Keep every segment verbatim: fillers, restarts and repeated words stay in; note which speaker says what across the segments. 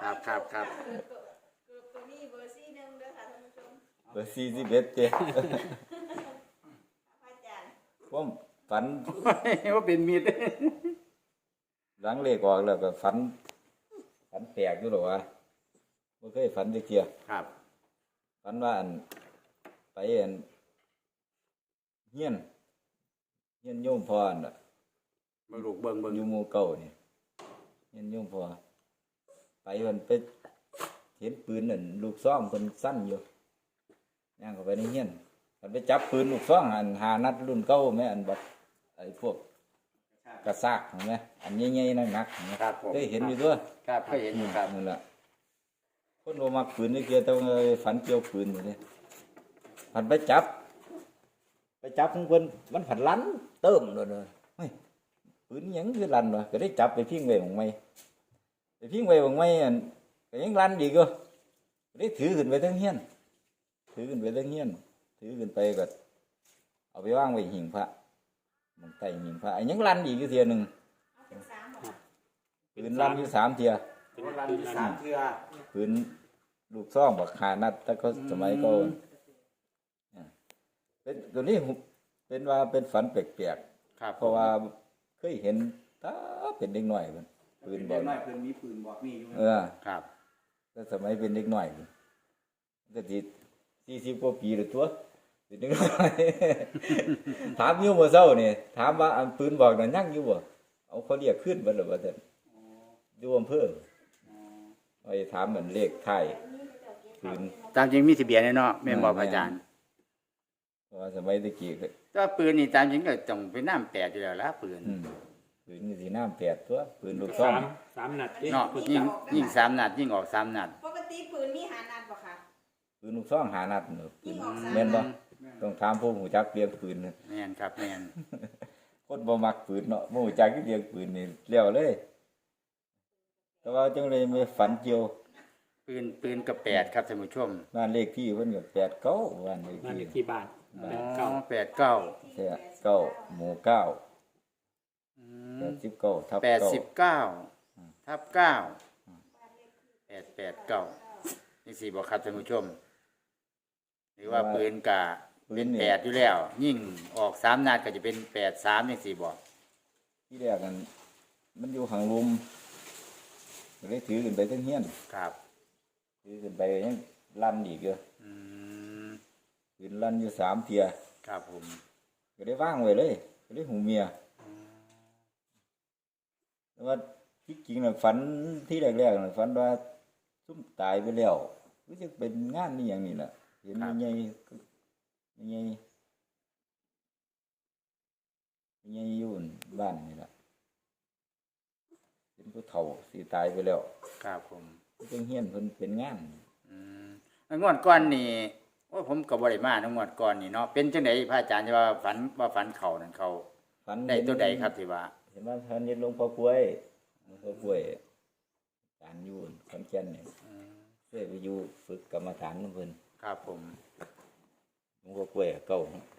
Speaker 1: ครับครับครับ
Speaker 2: เกือบตัวนี้เบอร์สี่หนึ่งเด้อค่ะท่านผู้ชม
Speaker 3: เบอร์สี่สิบเอ็ดเจ้
Speaker 2: พระอาจารย์
Speaker 3: ผมฝัน
Speaker 1: ว่าเป็นมีด
Speaker 3: หลังเลขออกแล้วก็ฝันฝันแปลกอยู่หรอวะบ่เคยฝันจักเที่ย
Speaker 1: ครับ
Speaker 3: ฝันว่าอันไปอันเฮียนเฮียนโยมพ่ออันน่ะ
Speaker 1: เบิ่งลูกเบิ่งเบิ่ง
Speaker 3: อยู่หมู่เก่านี่เฮียนโยมพ่อไปมันไปเห็นปืนนั่นลูกซ่องเพิ่นสั้นอยู่ย่างเข้าไปในเฮียนมันไปจับปืนลูกซ่องอันหานัดรุ่นเก่าแม่อันบัดไอ้พวกกระซากเห็นไหมอันใหญ่ๆหนักๆเห็นไหม
Speaker 1: ครับผม
Speaker 3: เคยเห็นอยู่ด้วย
Speaker 1: ครับเคยเห็นอยู่ครับ
Speaker 3: นั่นแหละคนโอมักปืนนี่เกี่ยวแต่ว่าฝันเกี่ยวปืนอยู่นี่ผันไปจับ ไปจับของเพิ่นมันผันลันเติมเลยเลยเฮ้ยปืนหยังคือลันวะก็ได้จับไปพิงไว้ของไม่ไปพิงไว้ของไม่อันก็ยังลันดีก็ก็ได้ถือขึ้นไปทั้งเฮียนถือขึ้นไปทั้งเฮียนถือขึ้นไปก็เอาไปวางไว้หิ้งพระมันใต้หิ้งพระอันยังลันอีกอยู่เทียหนึ่ง
Speaker 2: เอาเป็นสามหมด
Speaker 3: ปืนลันอยู่สามเทีย
Speaker 1: เป็นรันที่สามเทื่อ
Speaker 3: ปืนลูกซ่องบักขานัดแต่ก็สมัยก็เป็นตัวนี้เป็นว่าเป็นฝันแปลก
Speaker 1: ครับ
Speaker 3: ๆเพราะว่าเคยเห็นตาเป็นเด็กน้อยมันปืนบอล
Speaker 4: น้อยเพิ่นมีปืนบอกมีอยู่
Speaker 3: เออ
Speaker 1: ครับ
Speaker 3: แต่สมัยเป็นเด็กน้อยมันก็สิสี่สิบกว่าปีหรือตัวเป็นเด็กน้อย ถามอยู่เมื่อเช้านี่ถามว่าอันปืนบอกนั่นยังอยู่บ่เอาเขาเรียกขึ้นบ่หรือว่าแต่อยู่อำเภอไปถามเหมือนเลขไทยปืน
Speaker 1: ตามจริงมีทะเบียนแน่เนาะแม่นบอกอาจารย์
Speaker 3: เพราะว่าสมัยตะกี้ก็
Speaker 1: แต่ว่าปืนนี่ตามจริงก็ต้องเป็นน้ำแปดอยู่แล้วละปืน
Speaker 3: อืมปืนนี่สีน้ำแปดตัวปืนลูกซ่อ
Speaker 5: สาม มสามนัดดิ
Speaker 1: เนาะยิงยิงสามนัดยิงออกสามนัด
Speaker 2: ปกติปืนมีหานัดบ่ค่ะ
Speaker 3: ปืนลูกซ่องหานัดเนอะปื
Speaker 2: ยิ
Speaker 3: น
Speaker 2: งออกสาม
Speaker 3: แม่นบ่
Speaker 2: นัด
Speaker 3: ต้องถามผู้หูจักเรียงปืนน่ะ
Speaker 1: แม่นครับแม่น
Speaker 3: คนบ่มักปืนเนาะบ่หูจักเรียงปืนนี่แล้วเลย แต่ว่าจังเลยไม่ฝันเกี่ยว
Speaker 1: ปืนปืนกับแปดครับท่านผู้ชม
Speaker 3: บ้านเลขที่เพิ่นก็แปดเก้าบ้านเลข
Speaker 5: นั่น
Speaker 3: ที่
Speaker 5: ที่บ้าน
Speaker 1: อ๋
Speaker 5: แป
Speaker 1: อ
Speaker 5: ดเก้า
Speaker 1: แปดเก้า
Speaker 3: แปดเก้าหมู่เก้าแปดสิบเก้าทับ
Speaker 1: แปด
Speaker 3: เก้า
Speaker 1: สิบเก้าทับเก้าแปดแปดเก้านี่สี่บอกครับท่านผู้ชม หรือว่าปืนกะเป็นแปดอยู่แล้ว ยิ่งออกสามนัดก็จะเป็นแปดสามนี่สี่บอก
Speaker 3: ที่แรกกันมันอยู่ข้างลุมก็เลยถือขึ้นไปทั้งเฮียน
Speaker 1: ครับ
Speaker 3: ถือขึ้นไปยังลั่นอีกเด้อ
Speaker 1: อืม
Speaker 3: ปืนลั่นอยู่สามเที่ย
Speaker 1: ครับผม
Speaker 3: ก็ได้ว่างไว้เลยก็ได้หูเมียแต่ว่าที่จริงน่ะฝันที่แรกๆน่ะฝันว่าซุ่มตายไปแล้วรู้สึกเป็นงานนี่อย่างนี้แหละเห็นใหญ่ใหญ่ใหญ่อยู่บ้านนี่แหละเป็นผู้เฒ่าสิตายไปแล้ว
Speaker 1: ครับผม
Speaker 3: เพิ่งเฮียนเพิ่นเป็นงาน
Speaker 1: อืมแล้วงวดก่อนนี่ว่าผมกับบริมาทั้งงวดก่อนนี่เนาะเป็นจังไดพระอาจารย์จะว่าฝันว่าฝันเขานั่นเขา
Speaker 3: ฝัน
Speaker 1: ได้
Speaker 3: เห็น
Speaker 1: ตัวใดครับที่ว่า
Speaker 3: เห็นว่าท่านเห็นหลวงพ่อกล้วยหลวงพ่อกล้วยการอยู่ขอนแก่นนี่
Speaker 1: อืม
Speaker 3: เคยไปอยู่ฝึกกรรมฐานของเพิ่น
Speaker 1: ครับผม
Speaker 3: หลวงพ่อกล้วยเก่า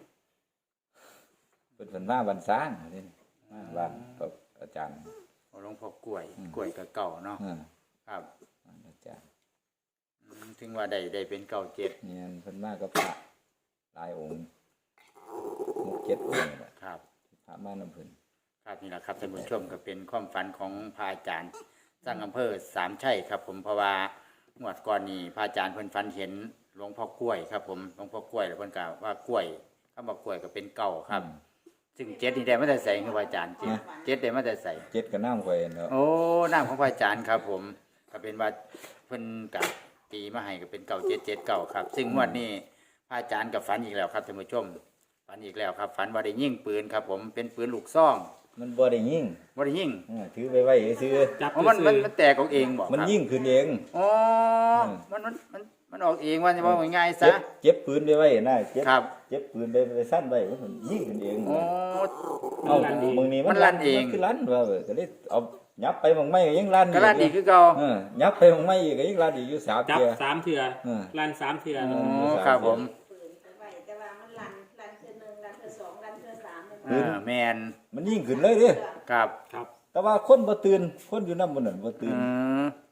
Speaker 3: เป็นฝันมาบันสร้างนี่มาบ้านกับอาจารย์
Speaker 1: หลวงพ่อกล้วยกล้วยกับเก่าเนาะ
Speaker 3: อ่า
Speaker 1: ครับ
Speaker 3: บ้านอาจารย์
Speaker 1: อืมถึงว่าได้ได้เป็นเก่าเจ็ด
Speaker 3: เนี่ยเพิ่นมากับพระหลายองค์หกเจ็ดองค์นี่แหละ
Speaker 1: ครับ
Speaker 3: พระมานำเพิ่น
Speaker 1: ครับนี่แหละครับท่านผู้ชมก็เป็นความฝันของพระอาจารย์สร้างอำเภอสามชัยครับ ผมเพราะว่างวดก่อนนี่พระอาจารย์เพิ่นฝันเห็นหลวงพ่อกล้วยครับ ผมหลวงพ่อกล้วยแล้วเพิ่นกล่าวว่ากล้วยคำว่ากล้วยก็เป็นเก่าครับ ซึ่งเจ็ดนี่ได้มาแต่ใส่คือพระอาจารย์เจ็ดเจ็ดได้มาแต่ใส่
Speaker 3: เจ็ดก็น้ำข่อยเนาะ
Speaker 1: โอ้น้ำของพระอาจารย์ครับ ผมก็เป็นว่าเพิ่นกับตีมาให้ก็เป็นเก่าเจ็ดเจ็ดเก่าครับ ซึ่งงวดนี้พระอาจารย์กับฝันอีกแล้วครับท่านผู้ชมฝันอีกแล้วครับฝันว่าได้ยิงปืนครับ ผมเป็นปืนลูกซอง
Speaker 3: มันบ่ได้ยิง
Speaker 1: ว่าได้ยิง
Speaker 3: อ่าถือไปไว้ซื้อ
Speaker 5: จับ
Speaker 1: เพราะมัน
Speaker 5: ซื้
Speaker 1: มัน
Speaker 5: อ
Speaker 1: มันแตกออกเองบอก
Speaker 3: มัน
Speaker 1: ครับ
Speaker 3: ยิงขึ้นเอง
Speaker 1: อ๋อมันมันมันมันออกเองว่าจะว่าง่ายๆ
Speaker 3: เจ็
Speaker 1: ซะ
Speaker 3: บเจ็บปืนไปไว้นะเจ็บ
Speaker 1: ครับ
Speaker 3: เจ็บปืนไปไปสั้นไว้มันยิงขึ้นเอง
Speaker 1: อ๋อ
Speaker 3: เอ้ามึงนี่
Speaker 1: มันลั่นเอง
Speaker 3: มันคือลั่นว่าเว้ยก็เลยเอายับไปบางไม่ก็ยังลั่น
Speaker 1: กระลาดีคือเก่า
Speaker 3: เออยับไปบางไม่อีกก็ยังลั่นอีกอยู่สาม
Speaker 5: จับ
Speaker 3: เทีย
Speaker 5: สามเถื่อ
Speaker 3: เออ
Speaker 5: ลั่นสามเถื่อ
Speaker 1: อ๋อครับผม
Speaker 2: ปืนไปไว้แต่ว่ามันลันลันเทื่อหนึ่งลันเทื่อสองลันเทื่อสามเลย
Speaker 1: เออแมน
Speaker 3: มันยิงขึ้นเลยเด้
Speaker 1: ครับ
Speaker 5: ครับ
Speaker 3: แต่ว่าคนบ่ตื่นคนอยู่นำบ่นั่นบ่ตื่
Speaker 1: อื
Speaker 3: น
Speaker 1: ม
Speaker 3: เออ
Speaker 2: บ่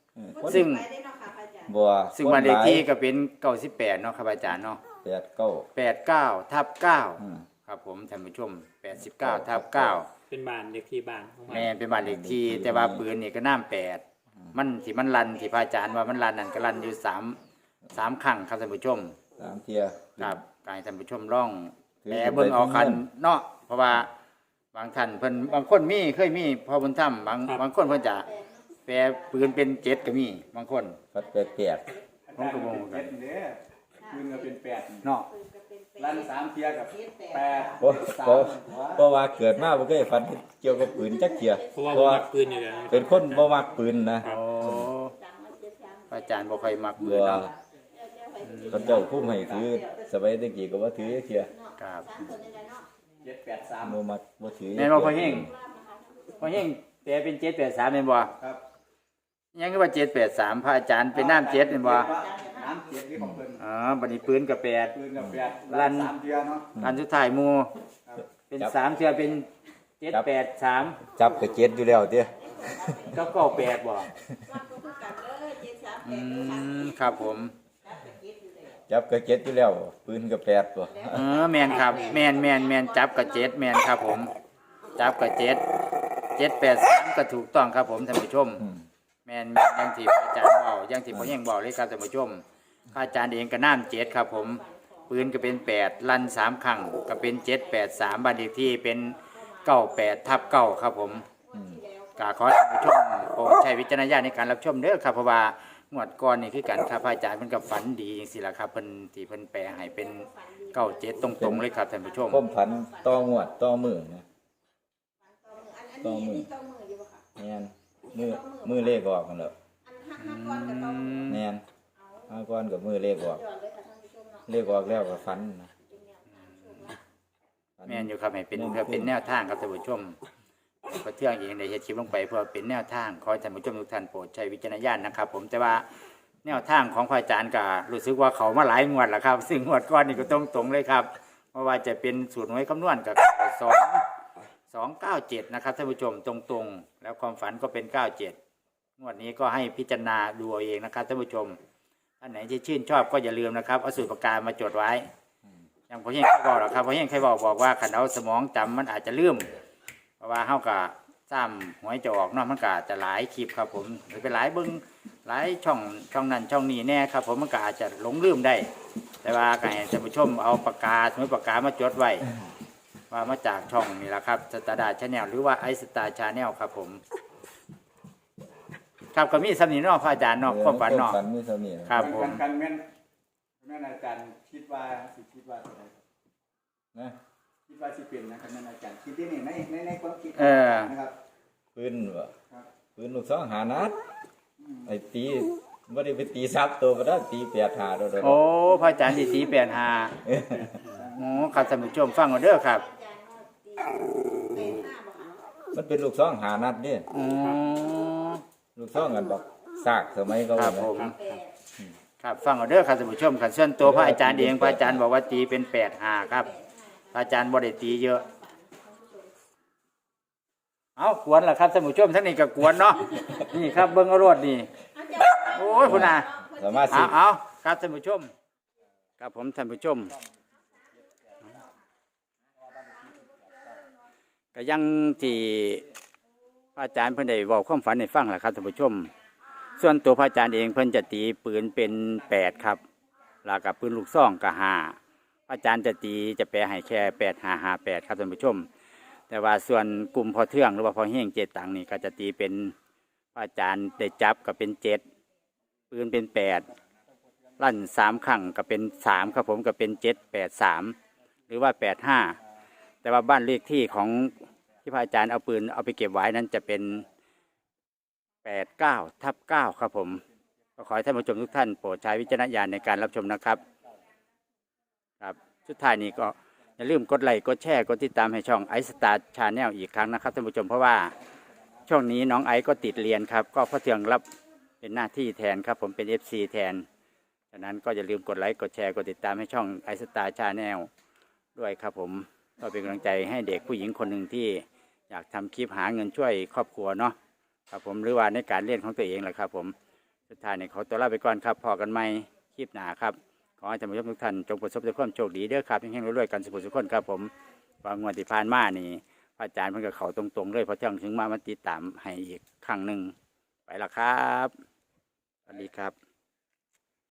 Speaker 1: ซึ่ง
Speaker 2: ไปได้เนาะค่ะพระอาจารย์
Speaker 3: บัว
Speaker 1: ซึ่งบ้านเลขที่ก็เป็นเก้าสิบแปดเนาะครับอาจารย์เนาะ
Speaker 3: แปดเก้า
Speaker 1: แปดเก้าทับเก้า
Speaker 3: อืม
Speaker 1: ครับผมท่านผู้ชมแปดสิบเก้าทับเก้า
Speaker 4: เป็นบ้านเด็กที่บ้านของมัน
Speaker 1: แม่นเป็นบ้านเลขที่แต่ว่าปืนนี่ก็น้ำแปดมันที่มันรันที่พระอาจารย์ว่ามันรันนั่นก็รันอยู่สามสามครั้งครับท่านผู้ชม
Speaker 3: สามเทีย
Speaker 1: ครับกายท่านผู้ชมร่อง
Speaker 3: ถือ
Speaker 1: แต่เบิ่งเอาคันเนาะเพราะว่าบางท่านเพิ่นบางคนมีเคยมีพอบุญธรรมบางบางคนเพิ่นจะแปลปืนเป็นเจ็ดก็มีบางคน
Speaker 3: ฟัดแปดแปด
Speaker 1: ผมก็บ่รู้กัน
Speaker 5: เด้อคืนก็เป็นแปด
Speaker 1: เนาะ
Speaker 2: ปืนก็เป็นแปด
Speaker 5: ลั่นสามเทียกับแปด
Speaker 3: เพราะเพราะเพราะว่าเกิดมาบ่เคยฝันเกี่ยวกับปืนจักเทีย
Speaker 4: เพราะว่า
Speaker 3: เพ
Speaker 4: ผม
Speaker 3: ราะว่า
Speaker 4: มักปืนอยู่แล้ว
Speaker 3: เป็นคนบ่มักปืนนะ
Speaker 1: โอ้
Speaker 2: สามมาเจ็ดสาม
Speaker 1: พระอาจารย์บ่ค่อยมักปื
Speaker 3: บั
Speaker 1: น
Speaker 3: ว
Speaker 1: เนาะ
Speaker 3: เขาเจ้าคุ้มให้ถือสมัยตะกี้ก็บ่ถือจักเทีย
Speaker 1: ครับ
Speaker 2: สามคนนี่แหละเนาะ
Speaker 5: เจ็ดแปดสาม
Speaker 3: บ่มักบ่ถือ
Speaker 1: แม่นบ่พ่อเฮงพ่อเฮงแปลเป็นเจ็ดแปดสามแม่นบ่
Speaker 5: ครับ
Speaker 1: ยังคือว่าเจ็ดแปดสามพระอาจารย์เป็นน้ำเจ็ดแม่นบ่
Speaker 5: น้ำเจ็ดที่ของเพิ่น
Speaker 1: อ๋อบัดนี้ปืนก็แปด
Speaker 5: คืนกับแปด
Speaker 1: ลั่น
Speaker 5: สามเทียเนาะ
Speaker 1: อันสุดท้ายหมู่เป็นสามเทื่อเป็นเจ็ดแปดสาม
Speaker 3: จับก็เจ็ดอยู่แล้วเด้
Speaker 1: ก็เก้าแปดบ่
Speaker 2: ว่าก็คือกันเด้อเจ็ดสามแป
Speaker 1: อื
Speaker 2: ดค่ะ
Speaker 1: มครับผม
Speaker 3: จับก็เจ็ดอยู่แล้วปืนก็แปดบ่
Speaker 1: เออแมนครับแมนแมนแมนจับกับเจ็ดแมนครับผม จับกับเจ็ดเจ็ดแปดสามก็ถูกต้องครับผมท่านผู้ชม
Speaker 3: อืม
Speaker 1: แมนแม่นอยังที่พระอาจารย์บอกอยังที่พ่อเฮงบอกเลยครับท่านผู้ชมพระอาจารย์เองก็น้ำเจ็ดครับผมปืนก็เป็นแปดลั่นสามครั้งก็เป็นเจ็ดแปดสามบัตรเลขที่เป็นเก้าแปดทับเก้าครับผม
Speaker 3: อืม
Speaker 1: กาขอให้ท่านผู้ชมโปรดใช้วิจารณญาณในการรับชมเด้อครับเพราะว่างวดก่อนนี่คือกันครับพระอาจารย์เพิ่นก็ฝันดีจังซี่ล่ะครับเพิ่นที่เพิ่นแปลให้เป็นเก้าเจ็ดตรงๆเลยครับท่านผู้ชม
Speaker 3: ความผันต่องวดต่อมือนะ
Speaker 2: อันอันนี้อันนี้ต้องมืออยู่บ่ค่ะ
Speaker 3: แม่นมือมือเลขออกกันแล้ว
Speaker 2: อันห้าห้าก้อนกับต้อง
Speaker 3: แม่นห้าก้อนกับมือเลขออก
Speaker 2: จอดเลยค่ะท่านผู้ชมเนาะ
Speaker 3: เลขออกแล้วก็ฝันนะ
Speaker 2: เป็นแนวทางโชคลาภ
Speaker 1: แม่นอยู่ครับให้เป็นเพื่อเป็นแนวทางครับท่านผู้ชมพระเที่ยงเองได้เฮ็ดคลิปลงไปเพื่อเป็นแนวทางขอให้ท่านผู้ชมทุกท่านโปรดใช้วิจารณญาณนะครับ ผมแต่ว่าแนวทางของพระอาจารย์ก็รู้สึกว่าเขามาหลายงวดแล้วครับ ซึ่งงวดก่อนนี่ก็ตรงๆเลยครับเพราะว่าจะเป็นสูตรหน่วยคำนวณกับสองสองเก้าเจ็ดนะครับท่านผู้ชมตรงๆ แล้วความฝันก็เป็นเก้าเจ็ดงวดนี้ก็ให้พิจารณาดูเอาเองนะครับท่านผู้ชมท่านไหนที่ชื่นชอบก็อย่าลืมนะครับเอาสูตรประการมาจดไว้อย่างพ่อเฮงเคยบอกหรอกครับพ่อเฮงเคยบอกบอกว่าขันเอาสมองจำมันอาจจะลืมเพราะว่าเฮาก็ซ้ำหวยจะออกเนอกมันก็อาจจะหลายคลิปครับผมหรือไปหลายเบิ้งหลายช่องช่องนั้นช่องนี้แน่ครับผมมันก็อาจจะหลงลืมได้ แต่ว่าก็ให้ท่านผู้ชมเอาปากกาสมุดปากกามาจดไว้ว่ามาจากช่องนี่แหละครับสตาร์ดาชาแนลหรือว่าไอสตาร์ชาแนลครับผมครับก็มีสำนีเนอกพระอาจารย์เนอกความฝันเนอก
Speaker 3: ฝันมีเท่านี้นะครับ
Speaker 1: ผม
Speaker 5: กันกันแม่นแม่นอาจารย์คิดว่าสิคิดว่าอะไร
Speaker 3: นะ
Speaker 5: คิดว่าสิเป็นนะครับแม่นอาจารย์คิดที่นี่ในในในความคิด
Speaker 1: เออ
Speaker 5: นะครับ
Speaker 3: ปืนบ่
Speaker 5: ครับ
Speaker 3: ปืนลูกสองหานัดไอ้ตีบ่ได้ไปตีซับตัวบ่ได้ตีแปดหาโดดๆ
Speaker 1: โอ้พระอาจารย์ที่สีแปดหาโอ้ครับท่านผู้ชมฟังเอาเด้อครับ
Speaker 2: อาจารย์ก็ตีเป็นห้าบ่ค่ะ
Speaker 3: มันเป็นลูกสองหานัดเด้
Speaker 1: อ๋อ
Speaker 3: ลูกสองกันบอกซากสมัยเขา
Speaker 1: ครับ
Speaker 3: เนี่ย
Speaker 1: ผม
Speaker 2: แปด
Speaker 1: ครับฟังเอาเด้อครับท่านผู้ชมครับส่วนตัวพระอาจารย์เองพระอาจารย์บอกว่าตีเป็นแปดหาครับพระอาจารย์บ่ได้ตีเยอะเอากวนล่ะครับท่านผู้ชมทั้งนี้ก็กวนเนาะนี่ครับเบิ้งเอารวดนี่
Speaker 2: อาจารย์
Speaker 1: โอ้ยคุณอา
Speaker 3: สามารถสิ
Speaker 1: เอาเอาครับท่านผู้ชมครับผมท่านผู้ชมก็ยังที่พระอาจารย์เพิ่นได้บอกความฝันให้ฟังแหละครับท่านผู้ชม ส่วนตัวพระอาจารย์เองเพิ่นจะตีปืนเป็นแปดครับแล้วกับปืนลูกซองก็ห้าพระอาจารย์จะตีจะแปลให้แค่แปดห้าห้าแปดครับท่านผู้ชม แต่ว่าส่วนกลุ่มพอเทืองหรือว่าพอเฮงเจ็ดตังนี่ก็จะตีเป็นพระอาจารย์ได้จับก็เป็นเจ็ดปืนเป็นแปดลั่นสามครั้งก็เป็นสามครับผมก็เป็นเจ็ดแปดสามหรือว่าแปดห้าแต่ว่าบ้านเลขที่ของที่พระอาจารย์เอาปืนเอาไปเก็บไว้นั้นจะเป็นแปดเก้าทับเก้าครับผมก็ขอให้ท่านผู้ชมทุกท่านโปรดใช้วิจารณญาณในการรับชมนะครับครับสุดท้ายนี้ก็อย่าลืมกดไลค์กดแชร์กดติดตามให้ช่องไอสตาร์ชาแนลอีกครั้งนะครับท่านผู้ชมเพราะว่าช่วงนี้น้องไอก็ติดเรียนครับก็พ่อเทืองรับเป็นหน้าที่แทนครับผมเป็น เอฟ ซี แทนฉะนั้นก็อย่าลืมกดไลค์กดแชร์กดติดตามให้ช่องไอสตาร์ชาแนลด้วยครับผมก็เป็นกำลังใจให้เด็กผู้หญิงคนหนึ่งที่อยากทำคลิปหาเงินช่วยครอบครัวเนาะครับผมหรือว่าในการเรียนของตัวเองแหละครับผมสุดท้ายนี่ขอตัวลาไปก่อนครับพอกันใหม่คลิปหน้าครับขอให้ท่านผู้ชมทุกท่านจงประสบแต่ความโชคดีเด้อครับแห่งๆรวยๆกันสุขสุขคนครับผมวางงวดที่ผ่านมานี่พระอาจารย์เพิ่นก็เข้าตรงๆเลยพอเที่ยงถึงมามาติดตามให้อีกครั้งหนึ่งไปละครับสวัสดีครับ